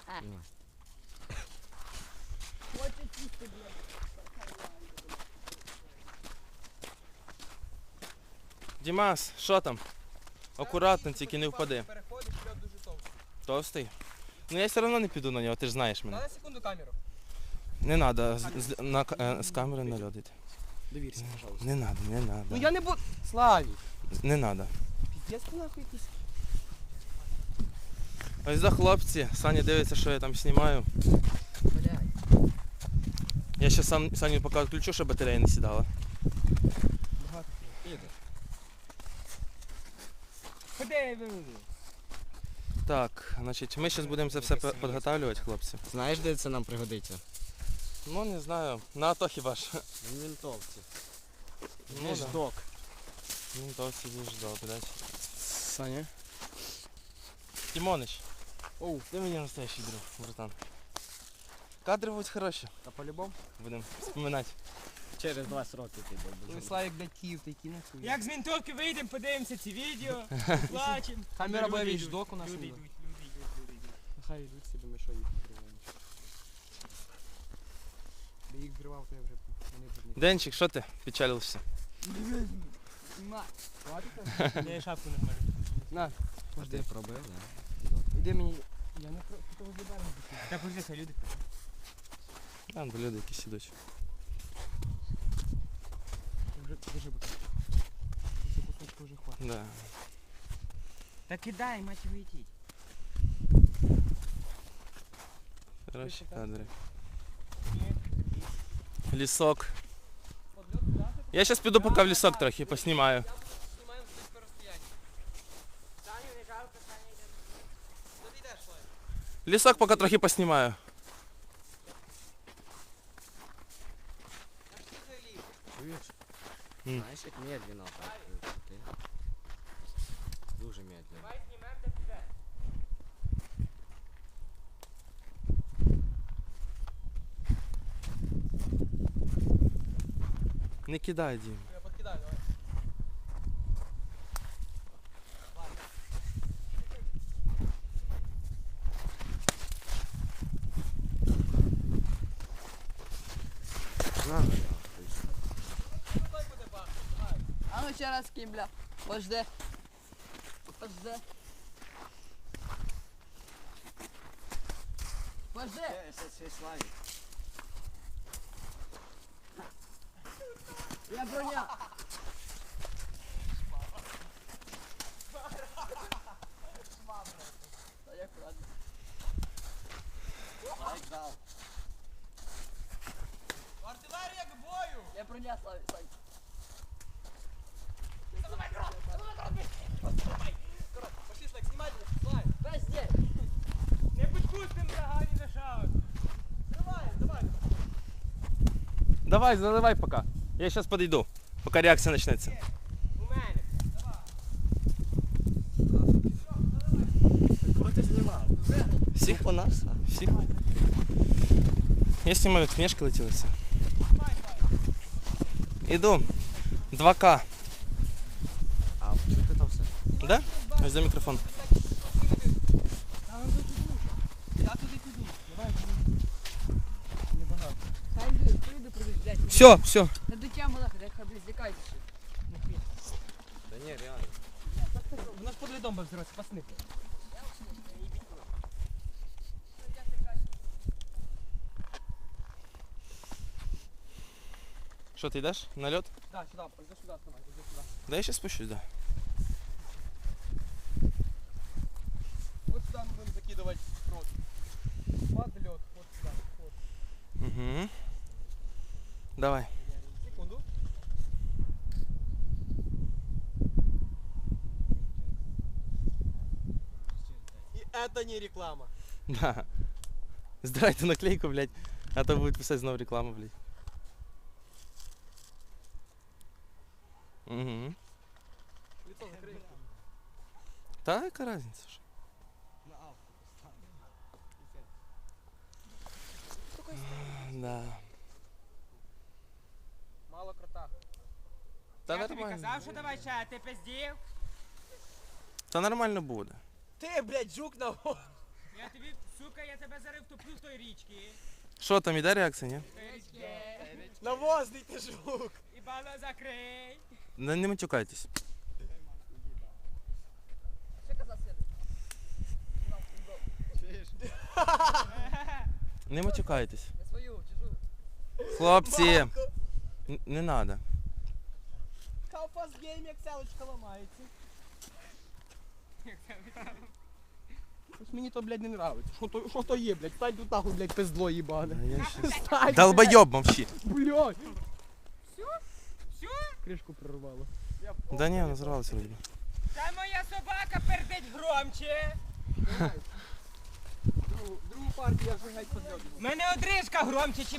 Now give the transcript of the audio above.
Дімас, що там? Акуратно, тільки не впади. Переходить, льод дуже товстий. Товстий? Ну я все одно не піду на нього, ти ж знаєш мене. Дай на секунду камеру. Не треба з камери на льод йти. Довірся, пожалуйста. Не треба, не треба. Ну я не буду. Славік. Не треба. Піздець ти нахуй якийсь. Ось за хлопці, Саня дивиться, що я там знімаю. Блядь. Я ще Саню поки відключу, щоб батарея не сідала. Багато піде. Ходи, Так, значить, ми зараз будемо це все підготовлювати, хлопці. Знаєш, де це нам пригодиться? Ну, не знаю, на АТО хіба ж. В Ментовці. Ну, Є ж да. док. Ну, то сидиш, да, блядь. Саня? Тимонич, Оу. ти мені настоящий друг, братан. Кадри будуть хороші, Та по-любому? будемо вспоминати. Через 20 років ти Коли добре. Славік, блядь, Київ, ти кине хуй. Як з ментовки вийдемо, подивимося ці відео, плачемо. Камера буде Люди вічдок у нас. Люди буде. йдуть, люди йдуть, люди йдуть. Нехай йдуть собі, ми що їх відкриваємо. Би їх зривав, то я вже вони б не. Денчик, що ти печалився? Я шапку не можу. На, А ти пробив, да? іди мені. Я не про того заберу. Так уже хай люди. Там люди якісь ідуть. Вже держи бутилку. Це кусочку вже хватить. Да. Та кидай, мать його йти. Хороші кадри. Лісок. Я зараз піду поки в лісок трохи поснімаю. Знімаємо з близько розстояння. Саню не жалко, Саня йде. Куди йдеш, Славік? Лісок поки трохи поснімаю. Як ти заліз? Чуєш? М. Знаєш, як медленно так крути. Дуже медленно. Давай знімемо та піде. Не кидай, Дім. Я подкидаю, давай. На, Давай буде бахнути, давай. А ну ще раз ким, бля. Подожди. Подожди. Подожди. Я броня. Та я аккуратно. Артилерія к бою! Я броня, Славі, Сань. Пошли, Славік, знімай, Славік. Подожди. Не підпустим врага ні на шаг. Тримай, давай. Давай, заливай поки. Я зараз підійду, поки реакція почнеться. У мене. Кого ти знімав? Всіх? У нас? Всіх? Я знімаю, книжки летілися. Іду. 2К. А чути там все? Да? Ось за мікрофон. Я туди піду. Давай, небагато. Хай йди, прийду, блядь. Все, все. Та до тя малаха, хай, блядь, злякайся. Да ні, реально. У нас под льдом буде взриватися, пацани. Що, ти йдеш на льот? Да, сюди, іди сюди, вставай, іди сюди. Да я ще спущусь, да. Вот сюда мы будем закидывать прот. Под лед, вот сюда. Вот. Угу. Давай. Секунду. И это не реклама. Да. Сдирайте наклейку, блядь, а то будет писать снова реклама, блядь. Угу. Лицо закрой. Та яка разниця ж? Да. Мало крота. Та Я тобі нормально. казав, що давай ще, а ти пиздів. Та нормально буде. Ты, блядь, жук на Я тобі тобі, сука, я тебе зараз втоплю в той річці. Що там, іде реакція, ні? Той річці. Навозний ти жук. І бало закрий. Не матюкайтесь. Що казав Світ? Не матюкайтесь. Не свою, чужу. Хлопці, не треба. Калфас гейм, як селочка ламається. Щось мені то, блядь, не нравиться. Що то є, блядь? Стань тут нахуй, блядь, пиздло їбане. Стань, Долбойоб мовчи. блядь. Все? Кришку прорвало. Да ні, вона зривалася вроді. Та моя собака пердить громче. Другу партію я вже геть подльотую. В мене одрижка громче, чи